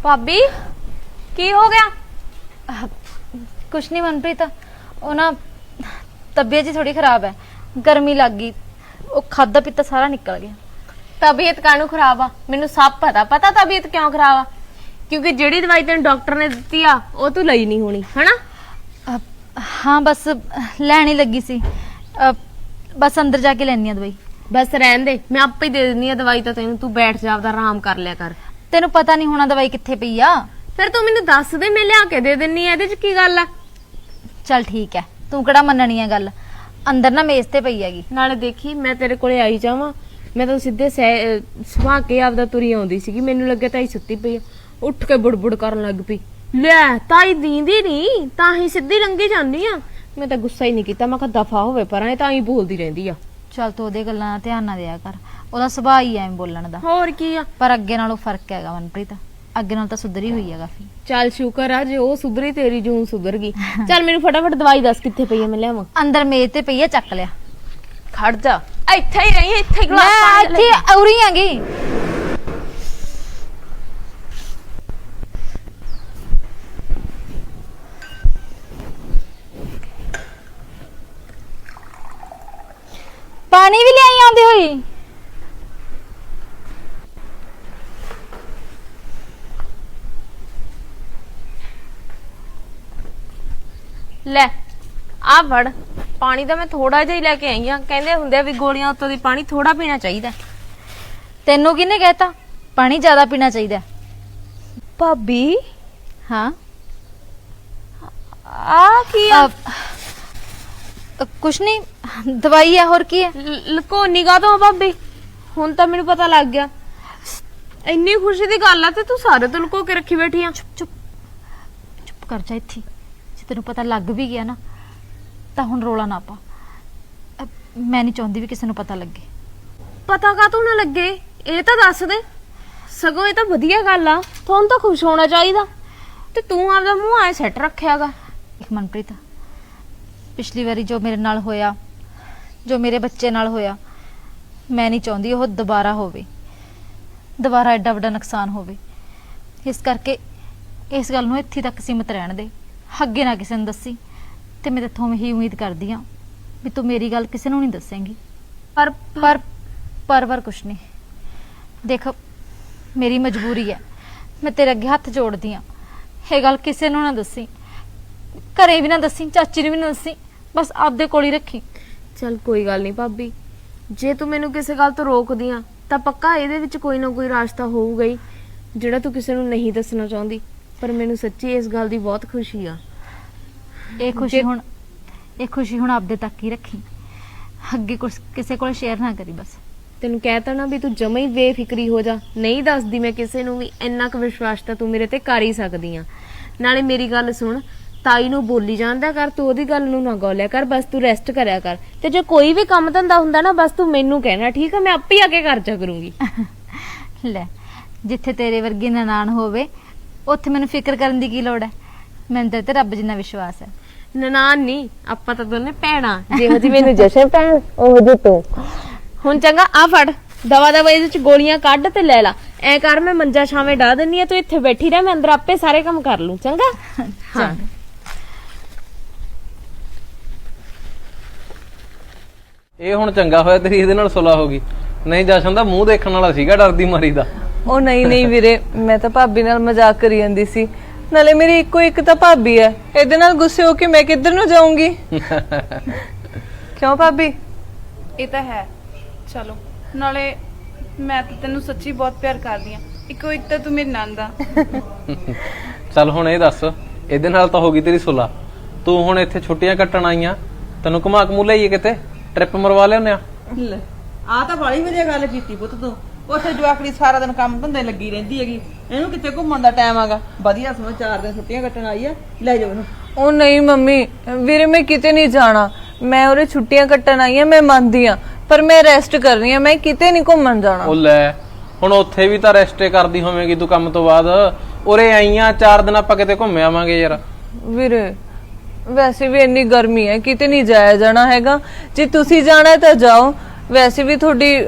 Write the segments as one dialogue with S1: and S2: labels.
S1: भाभी की हो गया?
S2: कुछ नहीं मनप्रीत, वो ना तबीयत जी थोड़ी खराब है, गर्मी लग गई, वो खादा पीता सारा निकल गया।
S1: तबीयत कानू खराब आ? मैनू सब पता तबीयत क्यों खराब आ, क्योंकि जेड़ी दवाई तेन डॉक्टर ने दी आ वो तू लई नहीं होनी है ना?
S2: हाँ बस लैनी लगी सी, बस अंदर जाके लेनी है दवाई।
S1: बस रहन दे, मैं आपे ही दे देनी है दवाई, तो तेन तू बैठ जा, आपदा आराम कर लिया कर।
S2: तेनू पता नहीं होना दवाई कित्थे पई आ?
S1: फिर तू मैनू दस दे, मैं लिया के दे देनी है, इहदे च की गल आ?
S2: चल ठीक है, तू किहड़ा मननी है गल, अंदर ना मेज ते पई हैगी।
S1: नाले देखी मैं तेरे कोले आई जावां, मैं तो सीधे सुहा के आपदा तुरी आउंदी सीगी, मैनू लगे ताई सुत्ती पई आ, उठ के बुड़बुड़ करन लग पई, ले ताई दींदी नहीं तां ही सीधी लंघी जानी आ। मैं तो गुस्सा ही नहीं कीता, मैं कहा दफा होवे परां, तां ही बोलदी रहिंदी आ।
S2: चल तू ओदे गल्लां दा ध्यान ना दिया कर, ओदा सुभाਅ ही ਐਵੇਂ बोलण दा।
S1: होर की आ,
S2: पर अगे नालों फर्क हैगा मनप्रीत, अगे नाल तां सुधरी हुई है काफी।
S1: चल शुक्र आ जे ओ सुधरी, तेरी जून सुधर गई। चल मैनू फटाफट दवाई दस कित्थे पई है, मैं लियावां।
S2: अंदर मेज ते पई है, चक लिया।
S1: खड़ जा, ਇੱਥੇ ਹੀ रही, ਇੱਥੇ ਹੀ ਗਲਾਸ
S2: मैं
S1: ਪਾਣੀ ਲੈ।
S2: इत्थे औरी हैगी। पानी भी लियाई आंदी हुई।
S1: ਲੈ ਆ ਫੜ ਪਾਣੀ ਤਾਂ ਮੈਂ ਥੋੜਾ ਜਿਹਾ ਹੀ ਲੈ ਕੇ ਆਈ ਆ, ਕਹਿੰਦੇ ਹੁੰਦੇ ਆ ਵੀ ਗੋਲੀਆਂ ਉੱਤੋਂ ਦੀ ਪਾਣੀ ਥੋੜਾ ਪੀਣਾ ਚਾਹੀਦਾ।
S2: तेनू किने कहता पानी ज्यादा पीना चाहिए?
S1: ਭਾਬੀ
S2: हाँ
S1: ਆ ਕੀ ਆ?
S2: कुछ नहीं, दवाई है, और की है?
S1: ਲਕੋਨੀ ਕਾ ਤੋਂ ਭਾਬੀ, ਹੁਣ ਤਾਂ ਮੈਨੂੰ ਪਤਾ ਲੱਗ ਗਿਆ। ਇੰਨੀ ਖੁਸ਼ੀ ਦੀ ਗੱਲ ਆ ਤੇ ਤੂੰ ਸਾਰੇ ਤੋਂ ਲੁਕੋ ਕੇ ਰੱਖੀ ਬੈਠੀ ਆ।
S2: चुप चुप कर जा इत्थे, जे तेनू पता लग भी गया ना ਤਾਂ ਹੁਣ ਰੋਲਾ ਨਾ ਪਾ। ਮੈਂ ਨਹੀਂ ਚਾਹੁੰਦੀ ਵੀ ਕਿਸੇ ਨੂੰ ਪਤਾ ਲੱਗੇ।
S1: ਪਤਾ ਕਾ ਤੂੰ ਨਾ ਲੱਗੇ, ਇਹ ਤਾਂ ਦੱਸ ਦੇ। ਸਗੋਂ ਇਹ ਤਾਂ ਵਧੀਆ ਗੱਲ ਆ, ਤੁਹਾਨੂੰ ਤਾਂ ਖੁਸ਼ ਹੋਣਾ ਚਾਹੀਦਾ, ਤੇ ਤੂੰ ਆਪਦਾ ਮੂੰਹ ਐ ਸੈੱਟ ਰੱਖਿਆਗਾ।
S2: ਇੱਕ ਮਨਪ੍ਰੀਤ, ਪਿਛਲੀ ਵਾਰੀ ਜੋ ਮੇਰੇ ਨਾਲ ਹੋਇਆ, ਜੋ ਮੇਰੇ ਬੱਚੇ ਨਾਲ ਹੋਇਆ, ਮੈਂ ਨਹੀਂ ਚਾਹੁੰਦੀ ਉਹ ਦੁਬਾਰਾ ਹੋਵੇ, ਦੁਬਾਰਾ ਐਡਾ ਵੱਡਾ ਨੁਕਸਾਨ ਹੋਵੇ। ਇਸ ਕਰਕੇ ਇਸ ਗੱਲ ਨੂੰ ਇੱਥੇ ਤੱਕ ਸੀਮਤ ਰਹਿਣ ਦੇ, ਅੱਗੇ ਨਾ ਕਿਸੇ ਨੂੰ ਦੱਸੀ। ਤੇ ਮੈਂ ਤੇਥੋਂ ਇਹੀ ਉਮੀਦ ਕਰਦੀ ਆ ਵੀ ਤੂੰ ਮੇਰੀ ਗੱਲ ਕਿਸੇ ਨੂੰ ਨਹੀਂ ਦੱਸੇਂਗੀ। ਪਰ ਕੁਛ ਨਹੀਂ, ਦੇਖ ਮੇਰੀ ਮਜਬੂਰੀ ਹੈ, ਮੈਂ ਤੇਰੇ ਅੱਗੇ ਹੱਥ ਜੋੜਦੀ ਆ, ਇਹ ਗੱਲ ਕਿਸੇ ਨੂੰ ਨਾ ਦੱਸੀ, ਘਰੇ ਵੀ ਨਾ ਦੱਸੀ, ਚਾਚੀ ਨੂੰ ਵੀ ਨਾ ਦੱਸੀ, ਬਸ ਆਪਦੇ ਕੋਲ ਹੀ ਰੱਖੀ।
S1: ਚਲ ਕੋਈ ਗੱਲ ਨਹੀਂ ਭਾਬੀ, ਜੇ ਤੂੰ ਮੈਨੂੰ ਕਿਸੇ ਗੱਲ ਤੋਂ ਰੋਕਦੀ ਆ ਤਾਂ ਪੱਕਾ ਇਹਦੇ ਵਿੱਚ ਕੋਈ ਨਾ ਕੋਈ ਰਾਸਤਾ ਹੋਊਗਾ ਹੀ ਜਿਹੜਾ ਤੂੰ ਕਿਸੇ ਨੂੰ ਨਹੀਂ ਦੱਸਣਾ ਚਾਹੁੰਦੀ। ਪਰ ਮੈਨੂੰ ਸੱਚੀ ਇਸ ਗੱਲ ਦੀ ਬਹੁਤ ਖੁਸ਼ੀ ਆ।
S2: ਇਹ ਖੁਸ਼ੀ ਹੁਣ ਆਪਦੇ ਤੱਕ ਹੀ ਰੱਖੀ, ਅੱਗੇ ਕੁਛ ਕਿਸੇ ਕੋਲ ਸ਼ੇਅਰ ਨਾ ਕਰੀ। ਬਸ
S1: ਤੈਨੂੰ ਕਹਿਤਾ ਨਾ ਵੀ ਤੂੰ ਜਮਾ ਹੀ ਬੇਫਿਕਰੀ ਹੋ ਜਾ, ਨਹੀਂ ਦੱਸਦੀ ਮੈਂ ਕਿਸੇ ਨੂੰ ਵੀ, ਇੰਨਾ ਕੁ ਵਿਸ਼ਵਾਸ ਤਾਂ ਤੂੰ ਮੇਰੇ ਤੇ ਕਰ ਹੀ ਸਕਦੀ ਆ। ਨਾਲੇ ਮੇਰੀ ਗੱਲ ਸੁਣ, ਤਾਈ ਨੂੰ ਬੋਲੀ ਜਾਂਦਾ ਕਰ, ਤੂੰ ਉਹਦੀ ਗੱਲ ਨੂੰ ਨਾ ਗੌਲਿਆ ਕਰ, ਬਸ ਤੂੰ ਰੈਸਟ ਕਰਿਆ ਕਰ। ਤੇ ਜੇ ਕੋਈ ਵੀ ਕੰਮ ਧੰਦਾ ਹੁੰਦਾ ਨਾ, ਬਸ ਤੂੰ ਮੈਨੂੰ ਕਹਿਣਾ, ਠੀਕ ਆ? ਮੈਂ ਆਪੇ ਹੀ ਆ ਕੇ ਕਰ ਜਾ ਕਰੂੰਗੀ।
S2: ਲੈ, ਜਿੱਥੇ ਤੇਰੇ ਵਰਗੀ ਨਨਾਣ ਹੋਵੇ ਉੱਥੇ ਮੈਨੂੰ ਫਿਕਰ ਕਰਨ ਦੀ ਕੀ ਲੋੜ ਹੈ? ਮੈਨੂੰ ਤਾਂ ਤੇ ਰੱਬ ਜਿੰਨਾ ਵਿਸ਼ਵਾਸ ਹੈ।
S1: ਨਨਾਣ ਨਹੀਂ, ਆਪਾਂ ਤਾਂ ਦੋਨੇ ਭੈਣਾਂ, ਜਿਹੋ ਜੀ ਮੈਨੂੰ ਜਸ਼ਨ ਭੈਣ ਉਹ ਜੀ ਤੂੰ। ਹੁਣ ਚੰਗਾ ਆ ਫੜ ਦਵਾ ਇਹਦੇ ਚ ਗੋਲੀਆਂ ਕੱਢ ਤੇ ਲੈ ਲਾ। ਐ ਕਰ, ਮੈਂ ਮੰਜਾ ਛਾਵੇਂ ਡਾ ਦਿੰਨੀ ਆ, ਤੂੰ ਇੱਥੇ ਬੈਠੀ ਰਹਿ, ਮੈਂ ਅੰਦਰ ਆਪੇ ਸਾਰੇ ਕੰਮ ਕਰ ਲੂੰ। ਚੰਗਾ? ਹਾਂ।
S3: ਇਹ ਹੁਣ ਚੰਗਾ ਹੋਇਆ ਤੇਰੀ ਇਹਦੇ ਨਾਲ ਸੁਲਾ ਹੋ ਗਈ, ਨਹੀਂ ਜਸ਼ਨ ਦਾ ਮੂੰਹ ਦੇਖਣ ਵਾਲਾ ਸੀਗਾ ਡਰਦੀ ਮਾਰੀ ਦਾ।
S4: ਉਹ ਨਹੀਂ ਵੀਰੇ, ਮੈਂ ਤਾਂ ਭਾਬੀ ਨਾਲ ਮਜ਼ਾਕ ਕਰੀ ਜਾਂਦੀ ਸੀ, ਨਾਲੇ ਮੇਰੀ ਇੱਕੋ ਇੱਕ ਤਾਂ ਭਾਬੀ ਹੈ, ਇਹਦੇ ਨਾਲ ਗੁੱਸੇ ਹੋ ਕੇ ਮੈਂ ਕਿੱਧਰ ਨੂੰ ਜਾਊਂਗੀ? ਕਿਉਂ ਭਾਬੀ?
S5: ਇਹ ਤਾਂ ਹੈ। ਚਲੋ, ਨਾਲੇ ਮੈਂ ਤਾਂ ਤੈਨੂੰ ਸੱਚੀ ਬਹੁਤ ਪਿਆਰ ਕਰਦੀ ਆ, ਇੱਕੋ ਇੱਕ ਤਾਂ ਤੂੰ ਮੇਰੀ ਨੰਦ ਆ।
S3: ਚੱਲ ਹੁਣ ਇਹ ਦੱਸ, ਇਹਦੇ ਨਾਲ ਤਾਂ ਹੋ ਗਈ ਤੇਰੀ ਸੁਲਾ, ਤੂੰ ਹੁਣ ਇੱਥੇ ਛੁੱਟੀਆਂ ਕੱਟਣ ਆਈਆਂ, ਤੈਨੂੰ ਘੁਮਾ ਘਮੂ ਲਈਏ ਕਿਤੇ, ਟ੍ਰਿਪ ਮਰਵਾ ਲਿਆਉਂਦੇ ਆ।
S6: ਆ ਤਾਂ ਬੜੀ ਵਧੀਆ ਗੱਲ ਕੀਤੀ ਪੁੱਤ ਤੂੰ। ਉੱਥੇ ਜਵਾਕੜੀ ਸਾਰਾ ਦਿਨ ਕੰਮ ਧੰਦੇ ਲੱਗੀ ਰਹਿੰਦੀ ਹੈਗੀ, ਇਹਨੂੰ ਕਿਤੇ ਘੁੰਮਣ ਦਾ ਟਾਈਮ ਆਗਾ, ਵਧੀਆ ਸਮਾਂ 4 ਦਿਨ ਛੁੱਟੀਆਂ ਕੱਟਣ ਆਈ ਆ, ਲੈ ਜਾਓ ਇਹਨੂੰ।
S4: ਉਹ ਨਹੀਂ ਮੰਮੀ, ਵੀਰੇ ਮੈਂ ਕਿਤੇ ਨਹੀਂ ਜਾਣਾ, ਮੈਂ ਉਰੇ ਛੁੱਟੀਆਂ ਕੱਟਣ ਆਈ ਆ, ਮੈਂ ਮੰਨਦੀ ਆ, ਪਰ ਮੈਂ ਰੈਸਟ ਕਰ ਰਹੀ ਆ, ਮੈਂ ਕਿਤੇ ਨਹੀਂ ਘੁੰਮਣ ਜਾਣਾ।
S3: ਉਹ ਲੈ, ਹੁਣ ਉੱਥੇ ਵੀ ਤਾਂ ਰੈਸਟੇ ਕਰਦੀ ਹੋਵੇਂਗੀ ਤੂੰ ਕੰਮ ਤੋਂ ਬਾਅਦ, ਉਰੇ ਆਈਆਂ 4 ਦਿਨ ਆਪਾਂ ਕਿਤੇ ਘੁੰਮ ਆਵਾਂਗੇ ਯਾਰ।
S4: ਵੀਰੇ ਵੈਸੇ ਵੀ ਇੰਨੀ ਗਰਮੀ ਹੈ, ਕਿਤੇ ਨਹੀਂ ਜਾਇਆ ਜਾਣਾ ਹੈਗਾ, ਜੇ ਤੁਸੀਂ ਜਾਣਾ ਤਾਂ ਜਾਓ, ਵੈਸੇ ਵੀ ਤੁਹਾਡੀ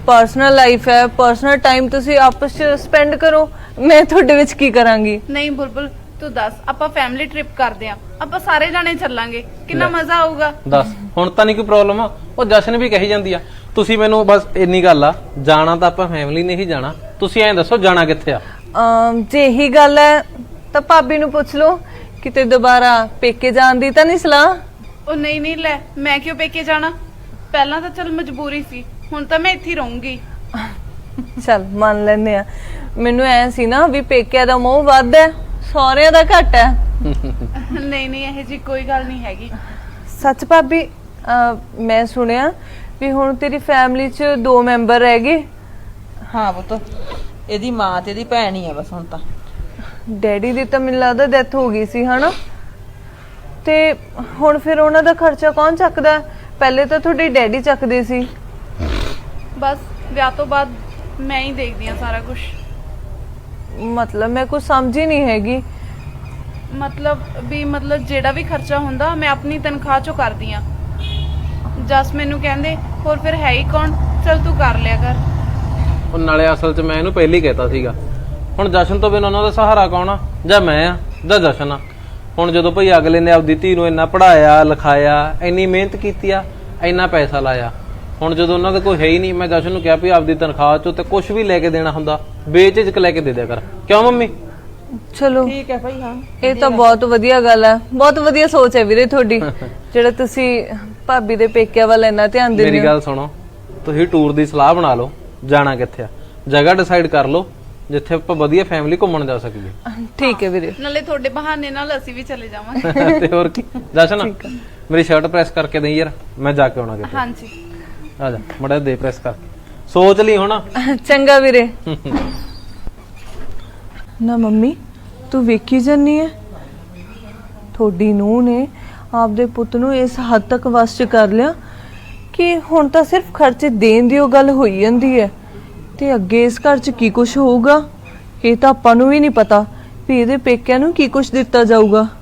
S4: ਪਰਸਨਲ ਲਾਈਫ ਹੈ, ਪਰਸਨਲ ਟਾਈਮ ਤੁਸੀਂ ਆਪਸ ਚ ਸਪੈਂਡ ਕਰੋ, ਮੈਂ ਤੁਹਾਡੇ ਵਿੱਚ ਕੀ ਕਰਾਂਗੀ।
S5: ਨਹੀਂ ਬੁਲਬੁਲ ਤੂੰ ਦੱਸ, ਆਪਾਂ ਫੈਮਿਲੀ ਟ੍ਰਿਪ ਕਰਦੇ ਆਂ, ਆਪਾਂ ਸਾਰੇ ਜਾਣੇ ਚੱਲਾਂਗੇ, ਕਿੰਨਾ ਮਜ਼ਾ ਆਊਗਾ।
S3: ਦੱਸ ਹੁਣ ਤਾਂ ਨਹੀਂ ਕੋਈ ਪ੍ਰੋਬਲਮ ਆ। ਉਹ ਜਸ਼ਨ ਵੀ ਕਹੀ ਜਾਂਦੀ ਆ। ਤੁਸੀਂ ਮੈਨੂੰ ਬਸ ਇੰਨੀ ਗੱਲ ਆ, ਜਾਣਾ ਤਾਂ ਆਪਾਂ ਫੈਮਿਲੀ ਨੇ ਹੀ ਜਾਣਾ। ਤੁਸੀਂ ਐਂ ਦੱਸੋ ਜਾਣਾ ਕਿੱਥੇ ਆ?
S4: ਜੇ ਇਹੀ ਗੱਲ ਹੈ ਤਾਂ ਭਾਬੀ ਨੂੰ ਪੁੱਛ ਲਓ, ਕਿਤੇ ਦੁਬਾਰਾ ਪੇਕੇ ਜਾਣ ਦੀ ਤਾਂ ਨਹੀਂ ਸਲਾਹ।
S5: ਉਹ ਨਹੀਂ ਨਹੀਂ ਲੈ, ਮੈਂ ਕਿਉਂ ਪੇਕੇ ਜਾਣਾ? ਪਹਿਲਾਂ ਤਾਂ ਚਲ ਮਜਬੂਰੀ ਸੀ, ਹੁਣ ਤਾਂ ਮੈਂ ਇੱਥੇ ਹੀ ਰਹੂੰਗੀ।
S4: ਚੱਲ ਮੰਨ ਲੈਨੇ ਆ। ਮੈਨੂੰ ਐ ਸੀ ਨਾ ਵੀ ਪੇਕਿਆਂ ਦਾ ਮੋਹ ਵੱਧ ਹੈ, ਸਹੁਰਿਆਂ ਦਾ ਘੱਟ ਹੈ।
S5: ਨਹੀਂ ਨਹੀਂ, ਇਹ ਜੀ ਕੋਈ ਗੱਲ ਨਹੀਂ ਹੈਗੀ।
S4: ਸੱਚ ਭਾਬੀ, ਮੈਂ ਸੁਣਿਆ ਵੀ ਹੁਣ ਤੇਰੀ ਫੈਮਿਲੀ 'ਚ 2 ਮੈਂਬਰ ਰਹਿ ਗਏ।
S6: ਹਾਂ ਪੁੱਤ, ਇਹਦੀ ਮਾਂ ਤੇ ਇਹਦੀ ਭੈਣ ਹੀ ਆ ਬਸ ਹੁਣ ਤਾਂ।
S4: ਡੈਡੀ ਦੀ ਤਾਂ ਮੈਨੂੰ ਲੱਗਦਾ ਡੈਥ ਹੋ ਗਈ ਸੀ ਹਨਾ, ਤੇ ਹੁਣ ਫਿਰ ਉਹਨਾਂ ਦਾ ਖਰਚਾ ਕੌਣ ਚੱਕਦਾ? ਪਹਿਲੇ ਤਾਂ ਤੁਹਾਡੇ ਡੈਡੀ ਚੱਕਦੇ ਸੀ।
S5: ਬਸ ਵਿਆਹ ਤੋਂ ਬਾਅਦ ਮੈਂ ਹੀ ਦੇਖਦੀ ਆ ਸਾਰਾ ਕੁਝ।
S4: ਮਤਲਬ ਮੈਂ ਕੁਝ ਸਮਝ ਹੀ ਨਹੀਂ ਹੈਗੀ।
S5: ਮਤਲਬ ਜਿਹੜਾ ਵੀ ਖਰਚਾ ਹੁੰਦਾ ਮੈਂ ਆਪਣੀ ਤਨਖਾਹ ਚੋਂ ਕਰਦੀ ਆ। ਜਸ ਮੈਨੂੰ ਕਹਿੰਦੇ ਹੋਰ ਫਿਰ ਹੈ ਹੀ ਕੌਣ, ਚਲ ਤੂੰ ਕਰ ਲਿਆ ਕਰ।
S3: ਉਹ ਨਾਲੇ ਅਸਲ 'ਚ ਮੈਂ ਇਹਨੂੰ ਪਹਿਲਾਂ ਹੀ ਕਹਿਤਾ ਸੀਗਾ, ਹੁਣ ਜਸ਼ਨ ਤੋਂ ਬਿਨਾਂ ਉਹਨਾਂ ਦਾ ਸਹਾਰਾ ਕੌਣ ਆ? ਜਾਂ ਮੈਂ ਆ ਜਾਂ ਜਸ਼ਨ ਆ। ਹੁਣ ਜਦੋਂ ਭਈ ਅਗਲੇ ਨੇ ਆਪਦੀ ਧੀ ਨੂੰ ਇੰਨਾ ਪੜਾਇਆ ਲਿਖਾਇਆ, ਇੰਨੀ ਮਿਹਨਤ ਕੀਤੀ ਆ, ਇੰਨਾ ਪੈਸਾ ਲਾਇਆ, ਹੁਣ ਜਦੋਂ ਉਹਨਾਂ ਦਾ ਕੋਈ ਹੈ ਹੀ ਨਹੀਂ, ਮੈਂ ਜਸ਼ਨ ਨੂੰ ਕਿਹਾ ਵੀ ਆਪਦੀ ਤਨਖਾਹ ਚੋਂ ਤੇ ਕੁਝ ਵੀ ਲੈ ਕੇ ਦੇਣਾ ਹੁੰਦਾ ਬੇਝਿਜਕ ਲੈ ਕੇ ਦੇ ਦਿਆ ਕਰ। ਕਿਉਂ ਮੰਮੀ?
S4: ਚਲੋ
S6: ਠੀਕ ਹੈ ਭਾਈ। ਹਾਂ
S4: ਇਹ ਤਾਂ ਬਹੁਤ ਵਧੀਆ ਗੱਲ ਹੈ, ਬਹੁਤ ਵਧੀਆ ਸੋਚ ਹੈ ਵੀਰੇ ਤੁਹਾਡੀ, ਜਿਹੜਾ ਤੁਸੀਂ ਭਾਬੀ ਦੇ ਪੇਕਿਆਂ ਵੱਲ ਇੰਨਾ ਧਿਆਨ ਦਿੰਦੇ ਹੋ।
S3: ਮੇਰੀ ਗੱਲ ਸੁਣੋ, ਤੁਸੀਂ ਟੂਰ ਦੀ ਸਲਾਹ ਬਣਾ ਲਓ, ਜਾਣਾ ਕਿੱਥੇ ਆ, ਜਗ੍ਹਾ ਡਿਸਾਈਡ ਕਰ ਲਓ ਜਿੱਥੇ ਆਪਾਂ ਵਧੀਆ ਫੈਮਿਲੀ ਘੁੰਮਣ ਜਾ ਸਕੀਏ।
S4: ਠੀਕ ਹੈ ਵੀਰੇ।
S5: ਨਾਲੇ ਤੁਹਾਡੇ ਬਹਾਨੇ ਨਾਲ ਅਸੀਂ ਵੀ ਚਲੇ ਜਾਵਾਂਗੇ।
S3: ਤੇ ਹੋਰ ਕੀ। ਜਸ਼ਨ ਮੇਰੀ ਸ਼ਰਟ ਪ੍ਰੈਸ ਕਰਕੇ ਦੇਈ ਯਾਰ, ਮੈਂ ਜਾ ਕੇ ਆਉਣਾ ਕਿਤੇ।
S5: ਹਾਂਜੀ
S3: ਆ ਜਾ ਮੜਾ ਦੇ ਪ੍ਰੈਸ ਕਰ, ਸੋਚ ਲਈ ਹੁਣ।
S4: ਚੰਗਾ ਵੀਰੇ। ਨਾ ਮੰਮੀ, ਤੂੰ ਵੇਖੀ ਜਾਨੀ ਹੈ, ਤੁਹਾਡੀ ਨੂੰਹ ਨੇ ਆਪਦੇ ਪੁੱਤ ਨੂੰ ਇਸ ਹੱਦ ਤੱਕ ਵਸ ਚ ਕਰ ਲਿਆ ਕਿ ਹੁਣ ਤਾਂ ਸਿਰਫ ਖਰਚੇ ਦੇਣ ਦੀ ਉਹ ਗੱਲ ਹੋਈ ਜਾਂਦੀ ਹੈ, ਤੇ ਅੱਗੇ ਇਸ ਘਰ ਚ ਕੀ ਕੁਝ ਹੋਊਗਾ ਇਹ ਤਾਂ ਆਪਾਂ ਨੂੰ ਵੀ ਨਹੀਂ ਪਤਾ ਵੀ ਇਹਦੇ ਪੇਕਿਆਂ ਨੂੰ ਕੀ ਕੁਝ ਦਿੱਤਾ ਜਾਊਗਾ।